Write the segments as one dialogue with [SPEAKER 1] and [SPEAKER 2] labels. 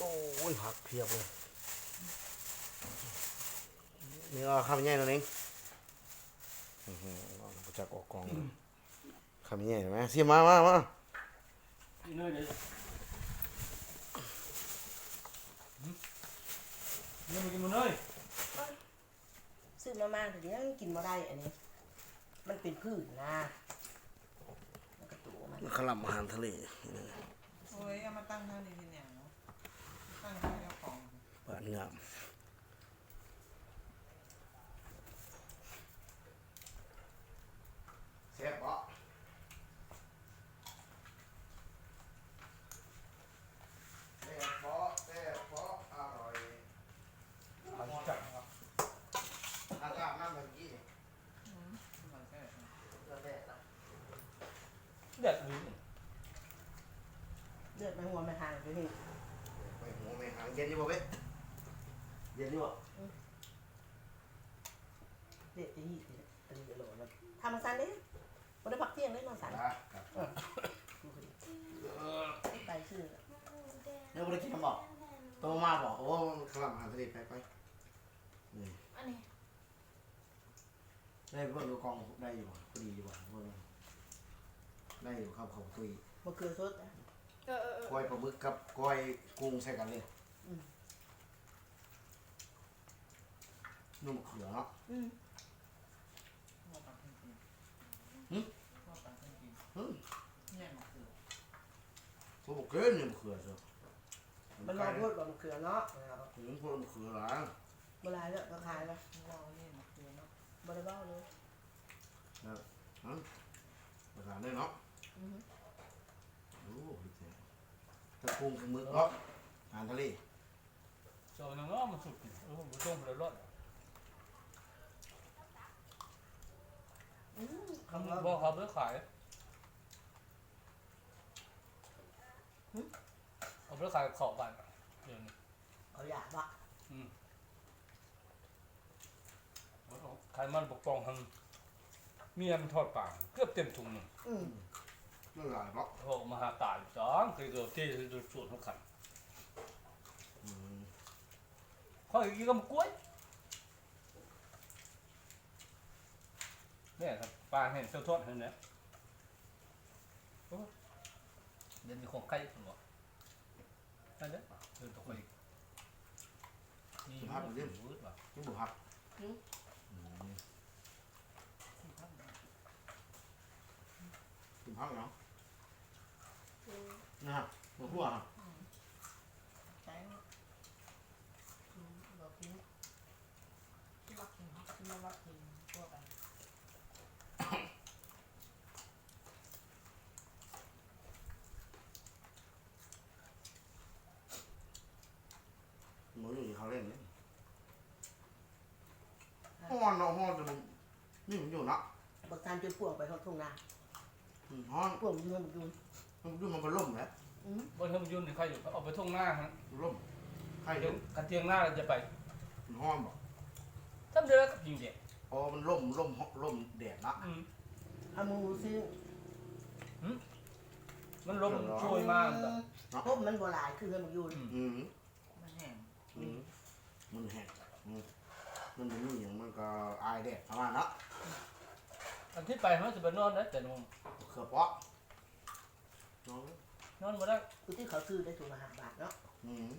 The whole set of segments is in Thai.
[SPEAKER 1] โอ้ยผักเพียบเลยนี่ก็ข้าวมันใหญ่ตัวนึงเราจะออกกองข้าวมันใหญ่เห็นไหมเสียมา
[SPEAKER 2] กินเลยเดี๋ยวนี่มากินมันเลย
[SPEAKER 3] ซื้อมาม่าแต่ยังกินมาได้อันนี้มันเป็นพืชนะมันกระตูมัน
[SPEAKER 1] ขลับอาหารทะเล
[SPEAKER 4] โอ้ยเอามาตั้งเท่านี้ทีเนี่ยตั้งให้เจ้าของ
[SPEAKER 1] หวานงามแซ่บปะแซ่บปะอร่อย
[SPEAKER 2] เอาจับครับ
[SPEAKER 1] อากาศน้ำแบบนี้
[SPEAKER 4] มันแค่
[SPEAKER 1] ก็แดดละ
[SPEAKER 2] เด็ดหรือ
[SPEAKER 3] เลือดมันหัวมันห่างไปนี่
[SPEAKER 1] ไปหัวไม่หางเย็นอยู่บ่เว้ยเย็นอยู่บ่
[SPEAKER 3] เลือดจะหีดเลยอันนี้โหลแล้วทำมาสันเลยวันได้พักเที่ยงได้นอนสัน
[SPEAKER 1] ครับ
[SPEAKER 3] ดูสิไปชื่อ
[SPEAKER 1] เดี๋ยวบ่ได้กินน้ำบอกโตมาบอกโอ้ขลับอาหารทะเลไปนี่
[SPEAKER 3] อันนี้
[SPEAKER 1] ได้เพิ่มดูกองได้อยู่พอดีอยู่บ่เพิ่มได้อยู่ครับเขาตุย
[SPEAKER 3] มะเขือสดนะ
[SPEAKER 1] ก้อยปลาหมึกกับก้อยกุ้งใส่กันเลยนุ่มเขือเนาะ
[SPEAKER 4] หัวปังจริง
[SPEAKER 1] หึ
[SPEAKER 4] หัวปังจริง
[SPEAKER 1] อืม
[SPEAKER 4] เนี่ยมันคือ
[SPEAKER 1] ผมบอกเกินเนี่ยมะเขือเถอะ
[SPEAKER 3] มันมาพูดว่ามะเขือเนาะ
[SPEAKER 1] ผมพูดมะเขือหรอ
[SPEAKER 3] เวลาเนี่ยก็ขายไป
[SPEAKER 4] ว่าเนี่ยมันคือเนาะ
[SPEAKER 3] บริบ้าเลย
[SPEAKER 1] ภาษาเนี่ยเนาะโอ้ยเจ๋งตะกุ้งกับหมึกเนาะอาหารทะเล
[SPEAKER 2] เจ้าหนังอ้อมันสุดมันต้มเลยรอด
[SPEAKER 3] คำว่า
[SPEAKER 2] บอกเขาไม่ขายเอาไปขายขอบบ้านเดี๋ยวนี้
[SPEAKER 3] เขาอยากวะ
[SPEAKER 2] ขายมันปกป้องทางเมียมันทอดปากเกือบเต็มถุงหนึ่ง
[SPEAKER 1] นั่นหลายเนาะ
[SPEAKER 2] โอ้มาหาตายสองเคยเกิดที่สุดทุกขันเขาอีกทีก็มากล้วยเนี่ยครับปลาเห็นเจ้าทอดเห็นเนี่ยเดี๋ยวมีของไก่ผมบอกนั่นเด้อเดินตกไปนี่มันยืดว่ะ
[SPEAKER 1] ที่บุหัก
[SPEAKER 4] ที่ทำเนี่ย
[SPEAKER 1] กินพักเนาะนะฮะหัวหัว
[SPEAKER 4] ใช้เรากินที่รักกินที่ไม่รักกินทั่วไป
[SPEAKER 1] หมูอยู่ที่เขาเล่นเนี่ยห้อนเนาะห้อนจะมันนี่มันอยู่เนาะ
[SPEAKER 3] บักการจนป่วงไปเขาทุ่งนา
[SPEAKER 1] ห้อน
[SPEAKER 3] ป่วงยืนมันยืน
[SPEAKER 1] มันดูมันเป็นล่มแล้ว
[SPEAKER 2] บนเทอมยุ่นนี่ใครอยู่เขาเอาไปท่งหน้าฮะ
[SPEAKER 1] ล่มใคร
[SPEAKER 2] เดี๋
[SPEAKER 1] เดี๋
[SPEAKER 2] ย
[SPEAKER 1] ยว ว
[SPEAKER 2] กันเตียงหน้าเราจะไป
[SPEAKER 1] มันห้อนบอก
[SPEAKER 2] ทำเดือกับยิงเด็ก
[SPEAKER 1] พอมันล่มแดดละ
[SPEAKER 3] เอามือซื้อ
[SPEAKER 2] มันลมช่วยมากแบบ
[SPEAKER 3] พบมันโบราณคือเงินมันยืน
[SPEAKER 1] อืม
[SPEAKER 4] มันแห้ง
[SPEAKER 1] มันแห้งมันเป็นอย่างมันก็อายแดดประมาณนั้น
[SPEAKER 2] อันที่ไปมันจะไปนอนได้แต่นอน
[SPEAKER 1] เขือเปาะน้อง
[SPEAKER 2] นอนมาได้
[SPEAKER 3] กูที่เขาซื้อได้ถูกมาหาบาทเนาะ
[SPEAKER 1] อืม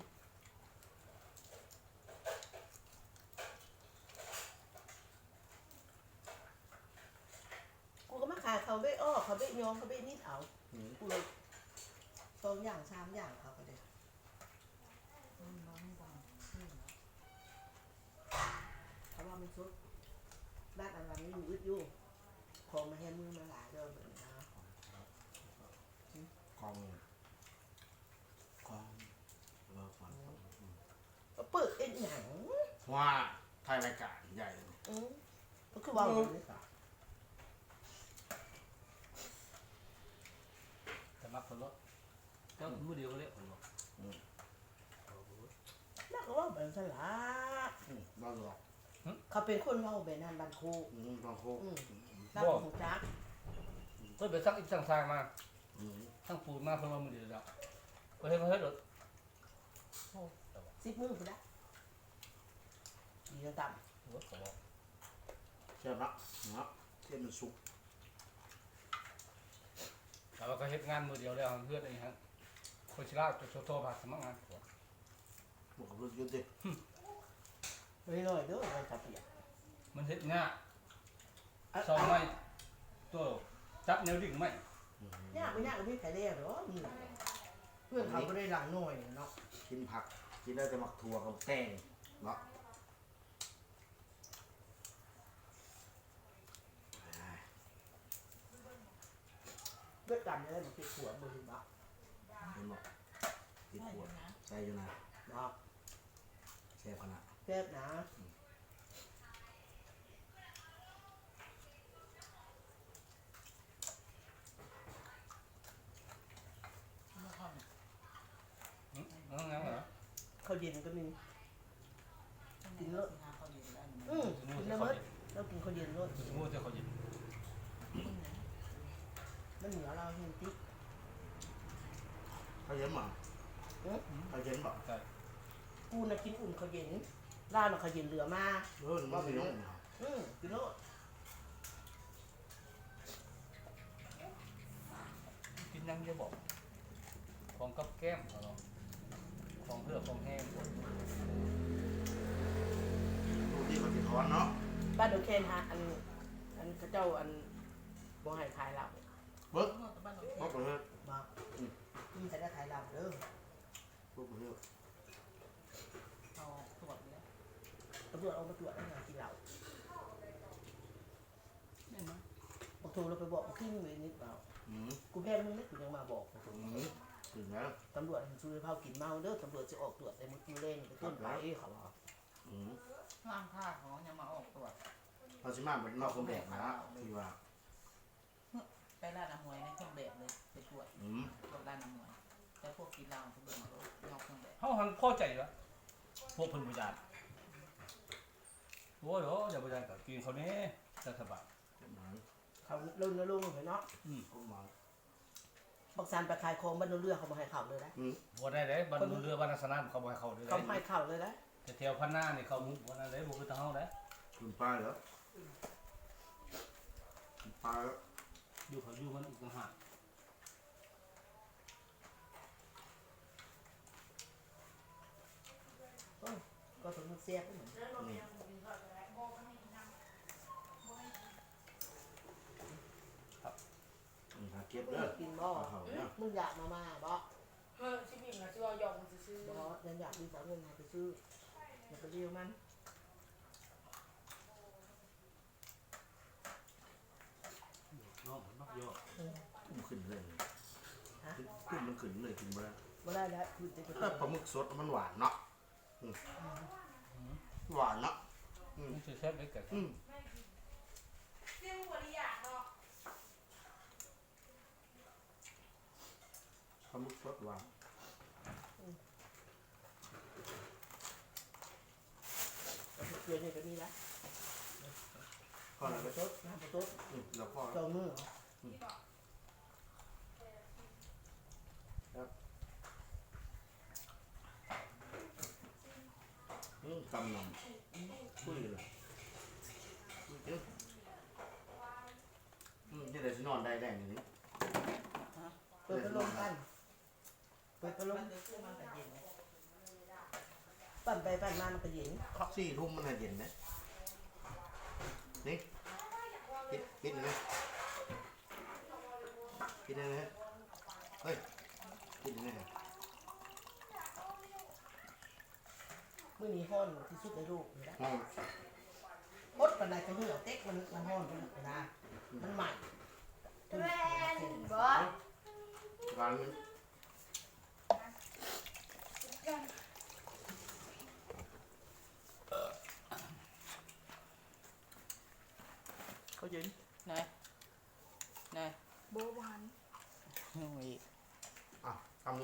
[SPEAKER 3] กูก็มาขายเขาเบ้อ้อเขาเบ้ยองเขาเบ้นิดเอากูเลยสองอย่างสามอย่างเขาก็ได้
[SPEAKER 4] มันน้องบางนี่นะ
[SPEAKER 3] เขาว่ามันซุดบ้านอะไรนี่อยู่อึดอยู่ของมาให้มือมาหลายเด้อแบบนี้นะ
[SPEAKER 1] กองเลิกมัน
[SPEAKER 3] ก็เปิดเอ็นหนัง
[SPEAKER 1] ว่าไทยรายการใหญ่เลย
[SPEAKER 3] ก็คือว่าอย่างนี้ค่ะ
[SPEAKER 2] แต่มักคนรถก็มือเดียวก็เรียกคนรถ
[SPEAKER 3] แล้วก็ว่าแบบสลา
[SPEAKER 1] บ้าหรอก
[SPEAKER 3] เขาเป็นคนเว่าแบบนั้นบันโค
[SPEAKER 1] บางโคก
[SPEAKER 3] รักของจัก
[SPEAKER 2] เพื่อไปซักอีกสั่งมาทั้งปูนมาเพื่อมามือเดียวแล้วก็ให้มาให้รถโอ้แต่ว่า
[SPEAKER 3] 10 มื้อพุ่นละดีจังต่ำ
[SPEAKER 2] หัวเขาบอก
[SPEAKER 1] แซ่บเนาะเนาะเทียมมันสุก
[SPEAKER 2] แต่ว่าก็เฮ็ดงานมือเดียวแล้วเพื่อนไอ้ฮะคนชิลาจะโทรมาสมัครงานผัว
[SPEAKER 1] บอกกับรถยนต์ดิ
[SPEAKER 3] น้อยๆเด้อมันจะเปียก
[SPEAKER 2] มันเฮ็ดง่ายซอยไม้ตัวจับแนวดิ่งไม้
[SPEAKER 3] ยากบ่ยากก็มีไผเด้อเนาะนี่เพื่อนเขาบ่ได้หลังน้อยเนาะ
[SPEAKER 1] กินผักกินได้แต่หมักถั่วกับแตงเนาะ
[SPEAKER 3] เลือดกันได้บ่ติดหัวบ่ถึงบ่
[SPEAKER 1] เห็นบอกติด
[SPEAKER 4] ใช่
[SPEAKER 1] หัว
[SPEAKER 4] นะ
[SPEAKER 1] ใส่อยู่นะ
[SPEAKER 3] เนาะ
[SPEAKER 1] แซ่บขนาด
[SPEAKER 3] แซ่บนะ
[SPEAKER 4] ไม่ค่อยเนี่ย
[SPEAKER 2] งั้นเหรอ
[SPEAKER 3] ข้าวเย็นก็มี
[SPEAKER 4] กินเลิศนะเขาอยู่ได้
[SPEAKER 3] กินแล้วมื้อเรากินข้าวเย็นโลด
[SPEAKER 2] คือสมมติจะเขาหยิบ
[SPEAKER 3] มันเหนียวเราเห็นติ
[SPEAKER 1] เขาเย็นมั้งเขาเย็นบอก
[SPEAKER 2] ใช่
[SPEAKER 3] กูน่ะกินอุ่นข้าวเย็นร้านน่ะข้าวเย็นเหลือมา
[SPEAKER 1] มันมีน้อง
[SPEAKER 3] กินโลด
[SPEAKER 2] กินยังจะบอกของกับแก้มเหรอของเพื่อของแห้ง
[SPEAKER 1] ดูที่เขาติดท้อนเนาะ
[SPEAKER 3] บ้านดอกแคนฮะอันเขาเจ้าอันบ่ให้ขายเหล้า
[SPEAKER 1] เบิ้ง
[SPEAKER 4] บ้านเรา
[SPEAKER 1] พวกประเทศ
[SPEAKER 3] บ่มีแต่ได้ขายเหล้าเด้อ
[SPEAKER 1] พวกประเทศ
[SPEAKER 4] เขาตรวจเลย
[SPEAKER 3] ตำรวจเอามาตรวจแล้วกินเหล้า
[SPEAKER 4] เห็นไหม
[SPEAKER 3] บอกโทรเราไปบอกขึ้นเลยนิดเปล่า
[SPEAKER 1] อืม
[SPEAKER 3] กูแพ้มึงไม่กูยังมาบอก
[SPEAKER 1] ถึงแล้ว
[SPEAKER 3] ตำรวจช่วยเผากินเมาเด้อตำรวจจะออกตรวจแต่มื้อเล่นไปต้นไปเขาบอก
[SPEAKER 4] ร่างผ้าเขายังมาออกตรวจ
[SPEAKER 1] เราชิมาเป็นนอกคนแดกนะที่ว่า
[SPEAKER 4] ไปร้านอาหวยในเครื่องแบบเลยไปตรวจตรวจร้านอาหวยแต่พวกกินเหล้าพวกเดินมาลนอกเครื่องแบบ
[SPEAKER 2] เขาหันพอใจวะพวกเพิ่นบุญญาโอ้ยเดี๋ยวบุญญากับกินเขาเนี่ยรัฐบาล
[SPEAKER 3] เขาลงลงเห็นเนาะ
[SPEAKER 1] พวกมา
[SPEAKER 3] บักซานไปขายของบ้านโนเรือเขามาให้เข่าเลยนะ
[SPEAKER 2] บัวได้เลยบรรลุเรือบรรณสนามเขาบ่ให้เขาด้วย
[SPEAKER 3] เขาให้เข่าเลยนะ
[SPEAKER 2] แต่แถวพันหน้านี่เขาบัวนั่นเลยบุคือทางเฮาเลย
[SPEAKER 1] คุณป้าเหรอคุณป้าแล้ว
[SPEAKER 2] อยู่เขาอยู่มันอีกต่างหาก
[SPEAKER 3] ก็ถึงมันเสียบเหมือน
[SPEAKER 1] หาเก็บเด้อ
[SPEAKER 3] กินบ่
[SPEAKER 1] เขาเนี่ย
[SPEAKER 3] มึงอยากมาบ่
[SPEAKER 5] ชิบิมนะชื่อว่ายอมซื้อ
[SPEAKER 3] บ่ยังอยากมีสาวเงินหาไปซื้ออย่าไปเรียวมัน
[SPEAKER 2] น้องมันมักเยอะ
[SPEAKER 1] กุ้งขึ้นเลยกุ้งมันขึ้นเลยกินมาแล้ว
[SPEAKER 3] บ่ได้แล้วคือจะไป
[SPEAKER 1] ปลาหมึกสดมันหวานเนาะหวานเนาะ
[SPEAKER 2] มันสิแซ่บได้แก่
[SPEAKER 5] เรื่องบริยากเนาะ
[SPEAKER 1] ปลาหมึกสดหวาน
[SPEAKER 3] เกลือนี่ก็มีนะ
[SPEAKER 1] ก็เลย
[SPEAKER 3] น้ำ
[SPEAKER 1] ไป
[SPEAKER 3] ต้นน้ำต้น
[SPEAKER 1] แล้วก็
[SPEAKER 3] จองมือ
[SPEAKER 1] กำนำคุยเลยนี่เลยจะนอนได้แรงนี้
[SPEAKER 3] เปิดพัดลมกันเปิดพัดลม
[SPEAKER 4] มันจะซื้อมันแต่เย็นเลย
[SPEAKER 3] ปั่นไปปั่นมามันก็เย็น
[SPEAKER 1] ครอบ4 ทุ่มมันเย็นไหมนี่ปิดเลยปิดเลยนะเฮ้ยปิดเลย
[SPEAKER 3] มื้อนี้ฮ้อนที่สุดในโลกเลยนะ
[SPEAKER 1] ห้อง
[SPEAKER 3] มดปานใดก็เหี่ยวเต็กมันฮ้อนไปนะมันใหม่
[SPEAKER 5] แม่นบอส
[SPEAKER 1] ร้านนี้
[SPEAKER 3] เขาเย็น
[SPEAKER 4] ไหนไหน
[SPEAKER 5] โบวาน
[SPEAKER 4] โอ้ย
[SPEAKER 1] ทำ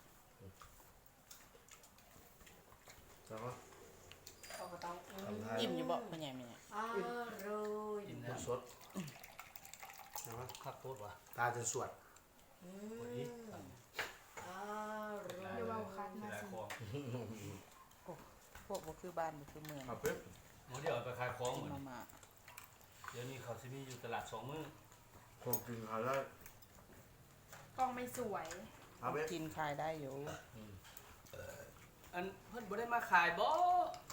[SPEAKER 1] แล้วก็
[SPEAKER 5] เขาก็ต้อง
[SPEAKER 4] อิ่มอยู่บ่ไม่ใหญ่ไม่ใหญ่
[SPEAKER 5] อร่อย
[SPEAKER 2] กิน
[SPEAKER 1] หม
[SPEAKER 2] แล้ว
[SPEAKER 1] ดสดใช่ไหม
[SPEAKER 2] คักโคตรว่ะ
[SPEAKER 1] ตาจะสวด
[SPEAKER 5] อร่อย
[SPEAKER 2] ที่หลายของ
[SPEAKER 4] พวกบ่คือบ้านบ่คือเมือง
[SPEAKER 1] ครับเป๊ะ
[SPEAKER 2] หมอเดี๋ยวเอาไปขายของ
[SPEAKER 4] กิ
[SPEAKER 2] เห
[SPEAKER 4] น
[SPEAKER 2] มือน
[SPEAKER 4] มา
[SPEAKER 2] เดี๋ยวนี้เขาสิมีอยู่ตลาด2 มื้อ
[SPEAKER 1] พวกกินเขาได้
[SPEAKER 5] กล้องไม่สวย
[SPEAKER 1] ครับเป๊ะ
[SPEAKER 4] กินขายได้อยู่
[SPEAKER 2] อันเพิ่นบ่ได้มาขายบ่